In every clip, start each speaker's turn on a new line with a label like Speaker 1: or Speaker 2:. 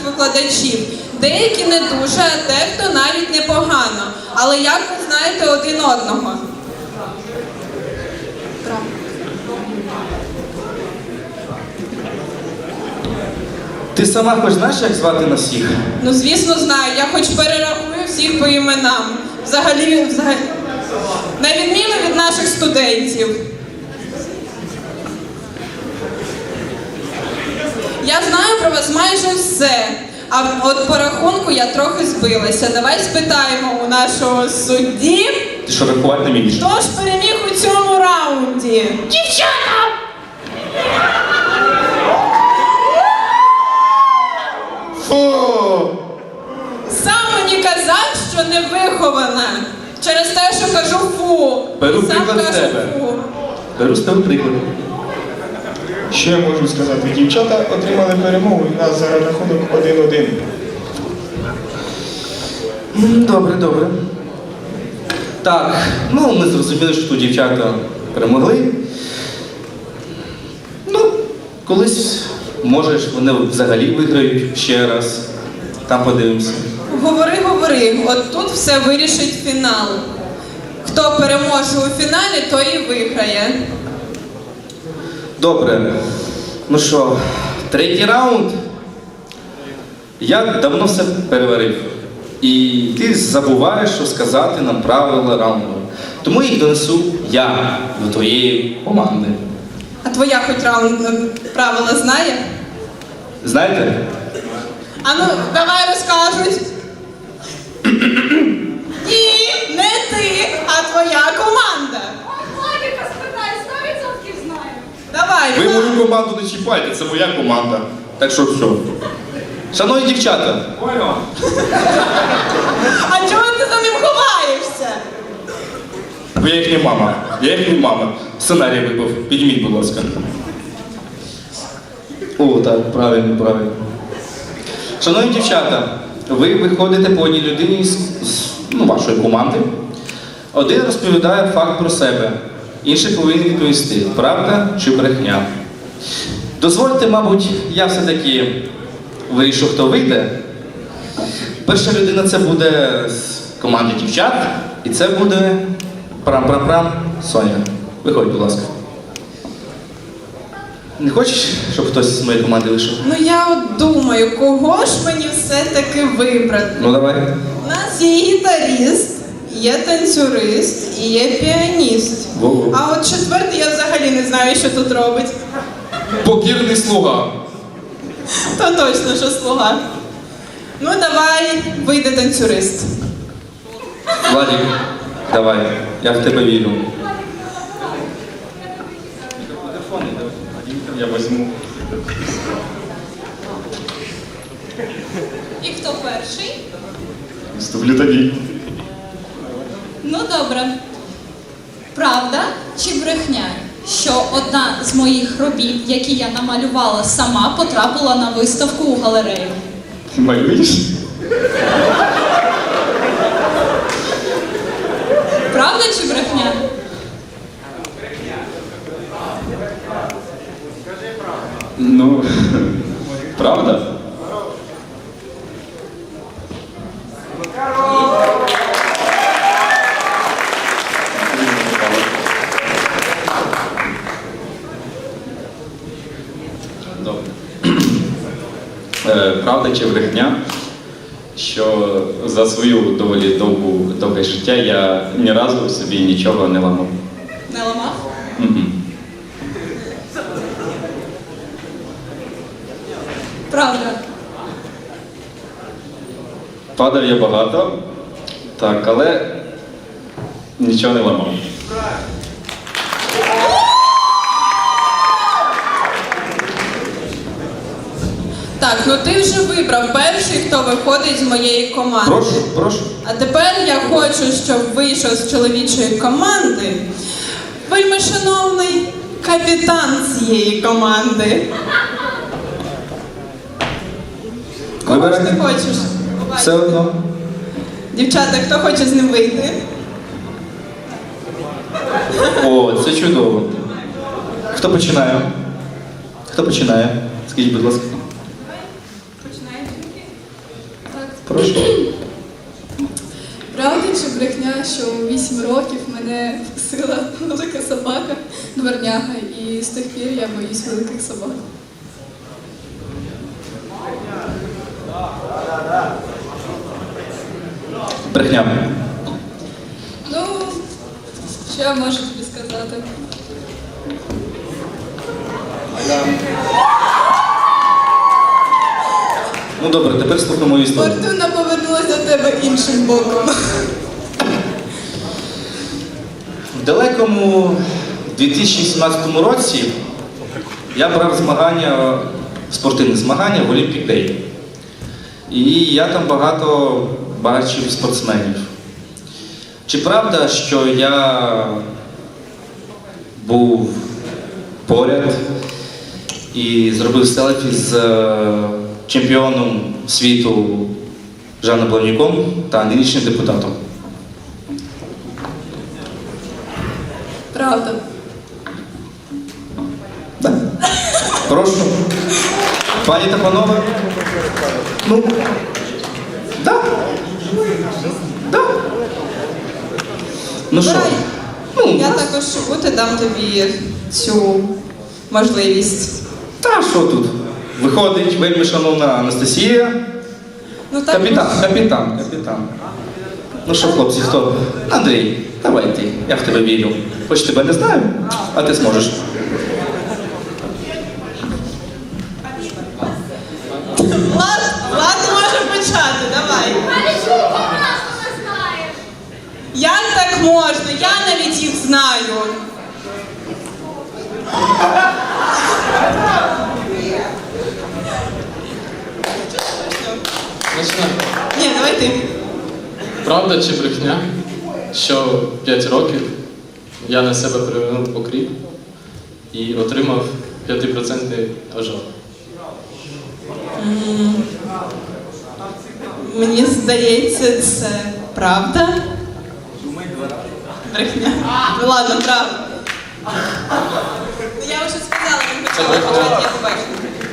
Speaker 1: викладачів. Деякі не дуже, а дехто навіть непогано. Але як ви знаєте один одного?
Speaker 2: Ти сама хоч знаєш, як звати нас всіх?
Speaker 1: Ну, звісно, знаю. Я хоч перерахую всіх по іменам. Взагалі, на відміну від наших студентів. Я знаю про вас майже все. А от по рахунку я трохи збилася. Давай спитаємо у нашого судді.
Speaker 2: Ти що, рахувати не вмієш?
Speaker 1: Хто ж переміг у цьому раунді? Дівчата!
Speaker 2: Фу!
Speaker 1: Сам мені казав, що не вихована. Через те, що кажу фу.
Speaker 2: Беру
Speaker 1: Сам
Speaker 2: приклад з
Speaker 1: кажу
Speaker 2: тебе.
Speaker 1: фу.
Speaker 2: Беру з тебе приклад.
Speaker 3: Що я можу сказати? Дівчата отримали перемогу і в нас зараз рахунок 1-1.
Speaker 2: Добре, добре. Так, ну ми зрозуміли, що тут дівчата перемогли. Ну, колись, може, вони взагалі виграють ще раз. Там подивимося.
Speaker 1: Говори, говори. От тут все вирішить фінал. Хто переможе у фіналі, той і виграє.
Speaker 2: Добре. Ну що, третій раунд. Я давно все переварив. І ти забуваєш, що сказати нам правила раунду. Тому їх донесу я до твоєї команди.
Speaker 1: А твоя хоч правила знає?
Speaker 2: Знаєте?
Speaker 1: А ну, давай розкажуть. Ні, не ти, а твоя команда.
Speaker 4: Логіка, спитай, 100% знаю.
Speaker 1: Давай,
Speaker 2: Ви
Speaker 1: Іван.
Speaker 2: мою команду не чіпайте, це моя команда. Так що все. Шановні дівчата,
Speaker 1: А чого ти за ним ховаєшся?
Speaker 2: ви їхня мама. Я їхня мама. Сценарій випав. Підніміть, будь ласка. О, так, правильно, правильно. Шановні дівчата, ви виходите по одній людині з вашої команди. Один розповідає факт про себе, інший повинен відповісти, правда чи брехня. Дозвольте, мабуть, я все-таки вирішу, хто вийде. Перша людина це буде з команди дівчат, і це буде прам-прам-прам Соня. Виходь, будь ласка. Не хочеш, щоб хтось з моєї команди вийшов?
Speaker 1: Ну я от думаю, кого ж мені все-таки вибрати?
Speaker 2: Ну давай.
Speaker 1: У нас є гітаріст, є танцюрист і є піаніст.
Speaker 2: Во-во.
Speaker 1: А от четвертий я взагалі не знаю, що тут робить.
Speaker 2: Покірний слуга.
Speaker 1: То точно, що слуга. Ну давай, вийде танцюрист.
Speaker 2: Владик, давай, я в тебе вірю. Я візьму.
Speaker 4: І хто перший?
Speaker 3: Вступлю тобі.
Speaker 4: Ну добре. Правда чи брехня, що одна з моїх робіт, які я намалювала сама, потрапила на виставку у галерею?
Speaker 3: Малюєш?
Speaker 4: Правда чи брехня?
Speaker 2: Ну, правда? Добре. Правда чи брехня, що за свою доволі довге життя я ні разу собі нічого не ламав.
Speaker 4: Не ламав?
Speaker 2: Мгм.
Speaker 4: Правда.
Speaker 2: Падав я багато, так, але нічого не ламав.
Speaker 1: Так, ну ти вже вибрав перший, хто виходить з моєї команди.
Speaker 2: Прошу, прошу.
Speaker 1: А тепер я хочу, щоб вийшов з чоловічої команди вельми шановний капітан цієї команди. Кого ж ти
Speaker 2: Вибирай.
Speaker 1: хочеш?
Speaker 2: Все одно.
Speaker 1: Дівчата, хто хоче з ним вийти?
Speaker 2: О, це чудово. Хто починає? Хто починає? Скажіть, будь ласка.
Speaker 1: Починає тільки.
Speaker 5: Правда чи брехня, що у 8 років мене вкусила велика собака, дворняга, і з тих пір я боюсь великих собак.
Speaker 2: Брехня.
Speaker 5: Ну, що я можу тобі сказати?
Speaker 2: Ну добре, тепер слухай мою історію.
Speaker 5: Фортуна повернулася до тебе іншим боком.
Speaker 2: В далекому 2017 році я брав змагання, спортивні змагання в Olympic Day. І я там багато бачив спортсменів. Чи правда, що я був поряд і зробив селфі з чемпіоном світу Жаном Плавнюком та нинішнім депутатом?
Speaker 5: Правда.
Speaker 2: Да. Прошу. Пані та панове. Ну. Да. Да. Ну що?
Speaker 1: Давай.
Speaker 2: Ну,
Speaker 1: Я також бути дам тобі цю можливість.
Speaker 2: та що тут? Виходить вельми шановна Анастасія.
Speaker 1: Ну так.
Speaker 2: Капітан. Ну що, хлопці, хто? Андрій, давай ти, я в тебе вірю. Хоч тебе не знаю, а ти зможеш.
Speaker 1: Ладно, може почати, давай. Як так можна? Я навіть їх знаю.
Speaker 6: Починай.
Speaker 1: Ні, давай ти.
Speaker 6: Правда чи брехня, що 5 років я на себе привернув окріп і отримав 5% ожог?
Speaker 1: Мені здається, це правда. Брехня. Ну ладно, правда. Я вже сказала, не хотіла почати, я побачила.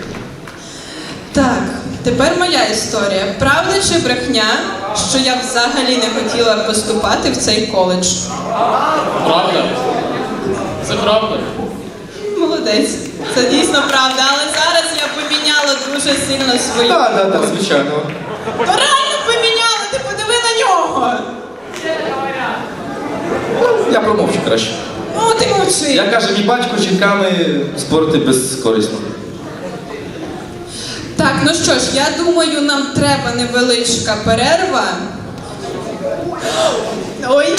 Speaker 1: Так, тепер моя історія. Правда чи брехня, що я взагалі не хотіла поступати в цей коледж?
Speaker 6: Правда? Це правда?
Speaker 1: Молодець. Це дійсно правда, але зараз я поміняла дуже сильно свою.
Speaker 2: Так, звичайно.
Speaker 1: То реально поміняла, ти подиви на нього.
Speaker 2: Я промовчу краще.
Speaker 1: Ну, ти мовчи.
Speaker 2: Я каже, мій батько жінками спорити безкорисно.
Speaker 1: Так, ну що ж, я думаю, нам треба невеличка перерва. Ой.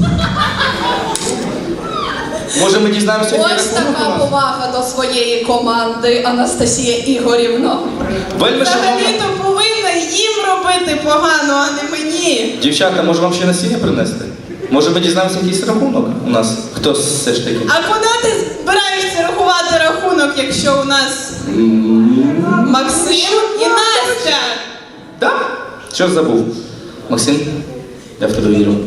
Speaker 2: Може ми дізнаємося, який
Speaker 5: Ось
Speaker 2: рахунок у
Speaker 5: така
Speaker 2: нас?
Speaker 5: повага до своєї команди, Анастасія Ігорівна.
Speaker 2: Вельми шановна.
Speaker 1: Взагалі-то повинна їм робити погано, а не мені.
Speaker 2: Дівчата, може вам ще насіння принести? Може ми дізнаємося якийсь рахунок у нас? Хто все ж таки?
Speaker 1: А куди ти збираєшся рахувати рахунок, якщо у нас Максим і Настя?
Speaker 2: Так? Що забув? Максим, я в тебе вірю.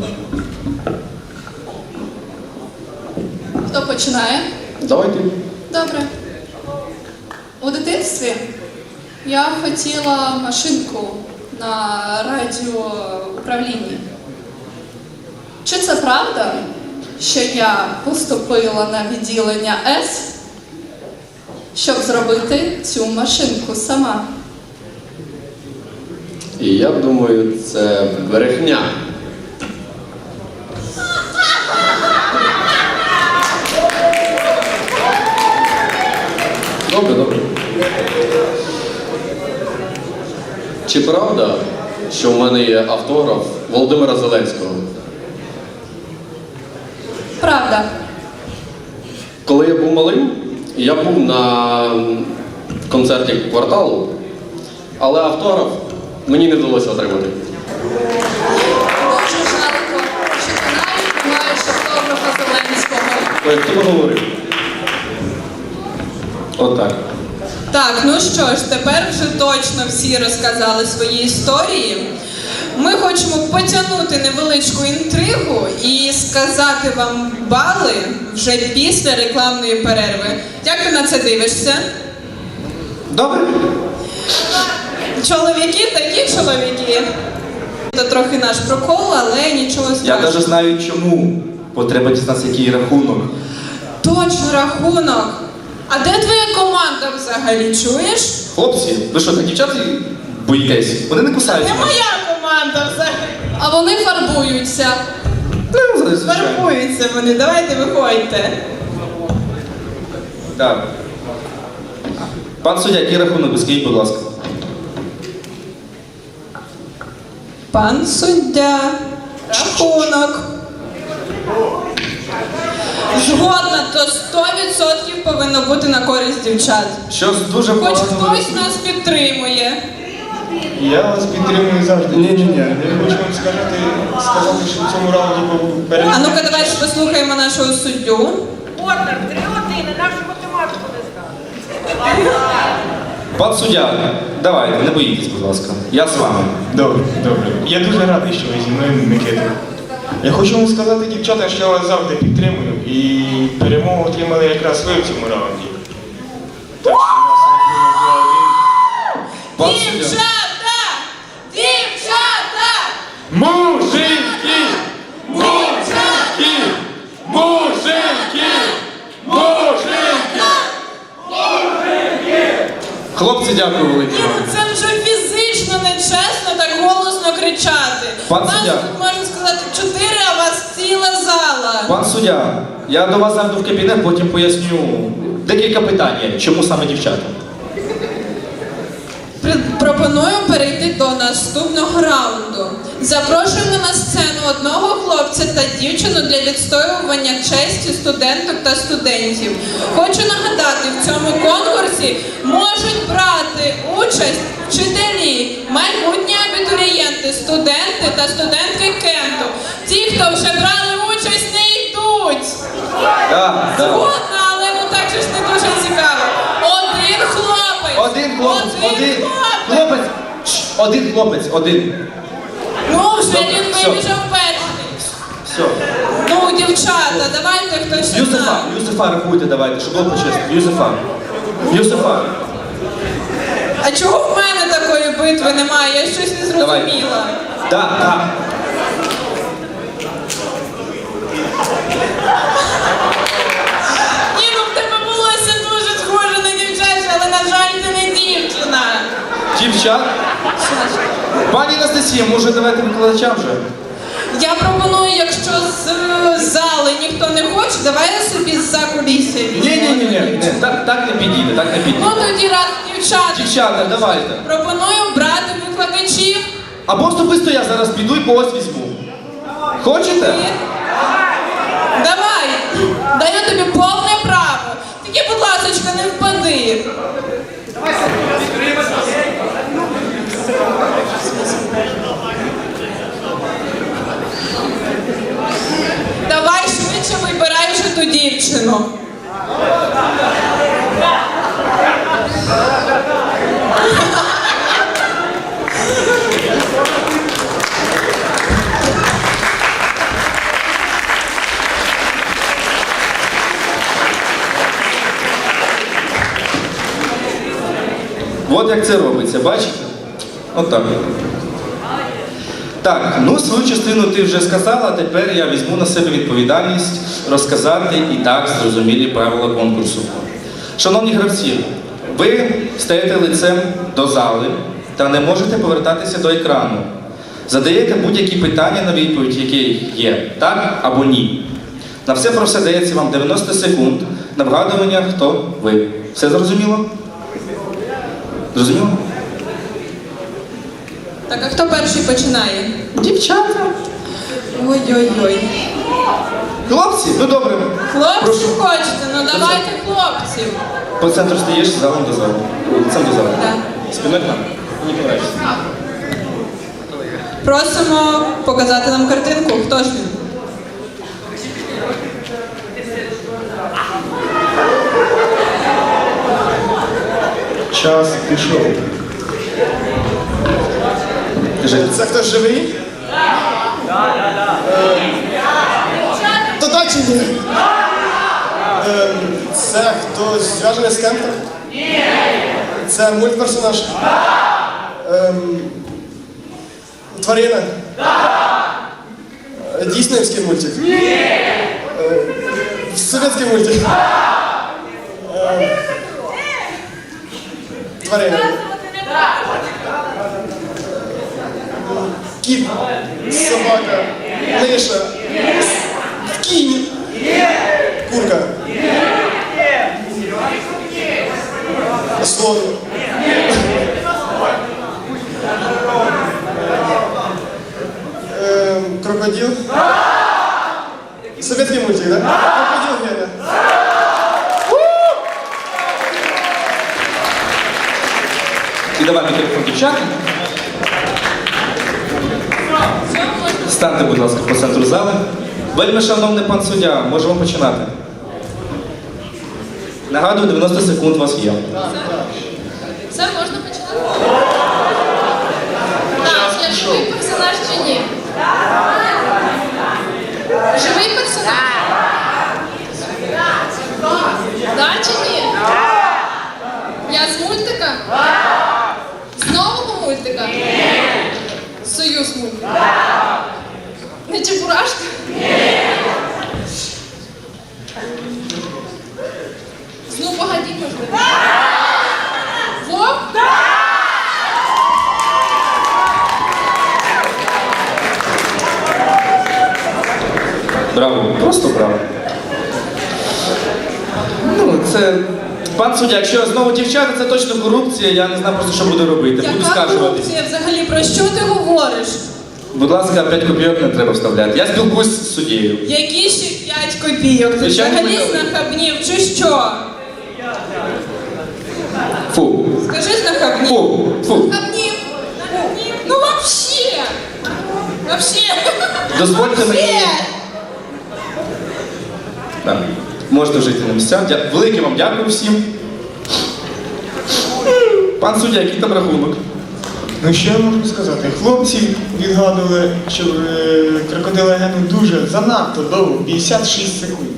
Speaker 5: Хто починає?
Speaker 2: Давай ти.
Speaker 5: Добре. У дитинстві я хотіла машинку на радіоуправлінні. Чи це правда, що я поступила на відділення С, щоб зробити цю машинку сама?
Speaker 7: І я думаю, це брехня. Добре. Чи правда, що в мене є автограф Володимира Зеленського?
Speaker 5: Правда.
Speaker 7: Коли я був малим, я був на концерті кварталу, але автограф мені не вдалося отримати.
Speaker 5: Дуже жалко, що ти навіть не маєш автографа Зеленського.
Speaker 2: Ой, хто поговорив? Отак.
Speaker 1: Так, ну що ж, тепер вже точно всі розказали свої історії. Ми хочемо потягнути невеличку інтригу і сказати вам бали вже після рекламної перерви. Як ти на це дивишся?
Speaker 2: Добре?
Speaker 1: Чоловіки такі чоловіки. Це трохи наш прокол, але нічого
Speaker 2: Я
Speaker 1: страшного.
Speaker 2: навіть знаю чому. Бо треба дізнатися, який рахунок.
Speaker 1: Точно, рахунок. А де твоя команда взагалі, чуєш?
Speaker 2: Хлопці, ви що, так дівчат боїтесь? Вони не кусаються.
Speaker 1: Не моя команда взагалі.
Speaker 5: А вони фарбуються.
Speaker 2: Ну, звичайно.
Speaker 1: Фарбуються вони, давайте виходьте.
Speaker 2: Так. Пан суддя, який рахунок? Ви скажіть, будь ласка.
Speaker 1: Пан суддя, рахунок. Згодна, то 100% повинно бути на користь дівчат.
Speaker 2: Щось дуже
Speaker 1: Хоч
Speaker 2: погано.
Speaker 1: хтось нас підтримує.
Speaker 3: Я вас підтримую завжди.
Speaker 2: Ні.
Speaker 3: Я хочу вам сказати, що в цьому раунді був
Speaker 1: А
Speaker 3: перемог.
Speaker 1: ну-ка, давайте послухаємо нашого суддю.
Speaker 8: Ордер, 3 години, нашу математику не скажеш.
Speaker 2: Пан суддя, давайте, не боїтесь, будь ласка. Я з вами.
Speaker 3: Добре. Я дуже радий, що ви зі мною, Микита. Я хочу вам сказати, дівчата, що я вас завжди підтримую. І перемогу отримали якраз ви в цьому раунді. Так що у нас рахунок 2-1.
Speaker 2: Пан суддя.
Speaker 1: Дівчата! Дівчата!
Speaker 3: Мужики! Мужики! Мужики! Мужики!
Speaker 2: Хлопці, дякую велике
Speaker 1: Ні,
Speaker 2: вам.
Speaker 1: ну це вже фізично нечесно так голосно кричати.
Speaker 2: Пан
Speaker 1: Вас
Speaker 2: суддя.
Speaker 1: тут, можна сказати, 4, а вас ціла зала.
Speaker 2: Пан суддя, я до вас зайду в кабінет, потім поясню декілька питань. Чому саме дівчата?
Speaker 1: Пропоную перейти до наступного раунду. Запрошуємо на сцену одного хлопця та дівчину для відстоювання честі студенток та студентів. Хочу нагадати, в цьому конкурсі можуть брати участь вчителі, майбутні абітурієнти, студенти та студентки Кенту. Ті, хто вже брали участь, не йдуть.
Speaker 2: Так.
Speaker 1: Згодна, але ну так же ж не дуже цікаво. Один хлопець.
Speaker 2: Один хлопець, один.
Speaker 1: хлопець.
Speaker 2: Хлопець. Один хлопець, один.
Speaker 1: Ну, вже
Speaker 2: Добре,
Speaker 1: він
Speaker 2: все.
Speaker 1: вибіжав перший.
Speaker 2: Все.
Speaker 1: Ну, дівчата, давайте хтось ще
Speaker 2: Юзефа,
Speaker 1: знає.
Speaker 2: Юзефа рахуйте, давайте, щоб було почесно. Юзефа.
Speaker 1: А чого в мене такої битви немає? Я щось не
Speaker 2: Давай.
Speaker 1: зрозуміла.
Speaker 2: Так.
Speaker 1: Ні, ну в тебе волосся дуже схоже на дівчаче, але, на жаль, ти не дівчина.
Speaker 2: Дівчат. Пані Анастасія, може давайте викладачам вже?
Speaker 1: Я пропоную, якщо з зали ніхто не хоче, давай я собі з-за кулісся візьму.
Speaker 2: Ні. Так не підійде, так не підійде.
Speaker 1: Ну тоді раз дівчата.
Speaker 2: Дівчата, давайте.
Speaker 1: Пропоную брати викладачів.
Speaker 2: Або особисто я зараз піду і когось візьму. Хочете?
Speaker 1: Давай, даю тобі повне право. Тільки, будь ласка, не впади. Давай швидше вибирай вже ту дівчину.
Speaker 2: От як це робиться, бачите? От так. Так, ну свою частину ти вже сказала, тепер я візьму на себе відповідальність розказати і так зрозумілі правила конкурсу. Шановні гравці, ви стаєте лицем до зали та не можете повертатися до екрану. Задаєте будь-які питання на відповідь, які є так або ні. На все про все дається вам 90 секунд на вгадування, хто ви. Все зрозуміло? Зрозуміло?
Speaker 1: Так, а хто перший починає?
Speaker 2: Дівчата.
Speaker 1: Ой-ой-ой.
Speaker 2: Хлопці, ну добре.
Speaker 1: Хлопці
Speaker 2: Прошу.
Speaker 1: хочете, ну давайте хлопців.
Speaker 2: По центру стоїш, залом до залу. Лицем до залу.
Speaker 1: Да.
Speaker 2: Спиною к нам. Мені подобається.
Speaker 1: Просимо показати нам картинку. Хто ж він?
Speaker 3: Час пішов.
Speaker 2: Кажи.
Speaker 9: Це хтось живий? То так чи ні? Це хтось зв'язаний з кемпом? Ні. Це мультперсонаж? Тварина? Дійснівський мультик? Ні! Совєтський мультик? Тварина. Кіт, собака, миша, кінь, курка, слон. Крокодил. Советский мультик, да? Крокодил Геня.
Speaker 2: І давай мікрофон дівчатам. Станьте, будь ласка, по центру зали. Вельми шановний пан суддя, можемо починати. Нагадую, 90 секунд у вас є.
Speaker 5: Все, можна починати? Так, я живий персонаж чи ні? Живий персонаж? Да чи ні? Я з мультика? З нового мультика? Союз мультика? Не Чебурашка? Ну, погоди, можливо. Вовк?
Speaker 2: Браво, просто браво. Ну, це... Пан суддя, якщо знову дівчата, це точно корупція, я не знаю просто, що буду робити. Буду
Speaker 1: Яка
Speaker 2: скаржуватись.
Speaker 1: корупція взагалі? Про що ти говориш?
Speaker 2: Будь ласка, 5 копійок не треба вставляти. Я спілкуюсь з суддєю.
Speaker 1: Які ще 5 копійок? Ти
Speaker 2: Звичайно,
Speaker 1: взагалі
Speaker 2: ми-
Speaker 1: знахабнів чи що?
Speaker 2: Фу.
Speaker 1: Скажи знахабнів.
Speaker 2: Фу. Фу.
Speaker 1: Знахабнів? Ну вообще! Вообще!
Speaker 2: Дозвольте мені.
Speaker 1: Вообще!
Speaker 2: Так. Можете жити на місцях. Велике вам дякую всім. Пан суддя, який там рахунок?
Speaker 3: Ну що я можу сказати? Хлопці відгадували, що крокодила Гену дуже занадто довго, 56 секунд.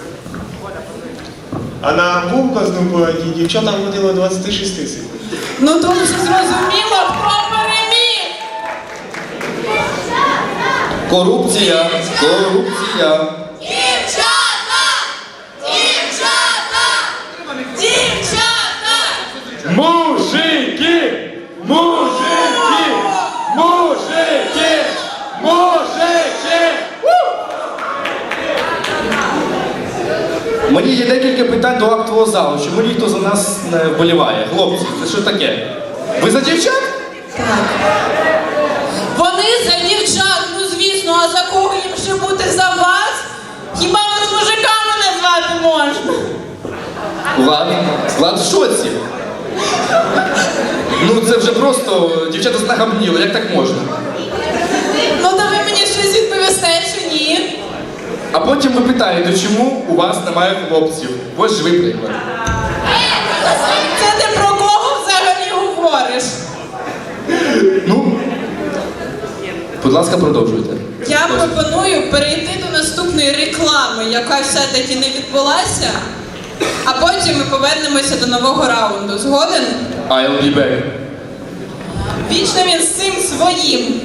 Speaker 3: А на вовка з Нуполаді дівчатам ходило 26 секунд.
Speaker 1: Ну то вже зрозуміло, хто переміг!
Speaker 2: Корупція. Корупція.
Speaker 1: Дівчата! Дівчата! Дівчата!
Speaker 3: Мужики! Мужики! Мужики! Мужики!
Speaker 2: Мені є декілька питань до актового залу. Чому ніхто за нас не вболіває? Хлопці, це що таке? Ви за дівчат?
Speaker 1: Вони за дівчат, ну звісно, а за кого їм ще бути за вас? Хіба вас мужиками назвати можна?
Speaker 2: Влад в шоці. Ну це вже просто дівчата знахабніли, як так можна?
Speaker 1: Ну то ви мені щось відповісте, чи ні?
Speaker 2: А потім ви питаєте, чому у вас немає хлопців? Ось живий приклад.
Speaker 1: Це ти про кого взагалі говориш?
Speaker 2: Ну, будь ласка, продовжуйте.
Speaker 1: Я пропоную перейти до наступної реклами, яка все-таки не відбулася, а потім ми повернемося до нового раунду. Згоден?
Speaker 2: I'll be back.
Speaker 1: Вічно він з цим своїм.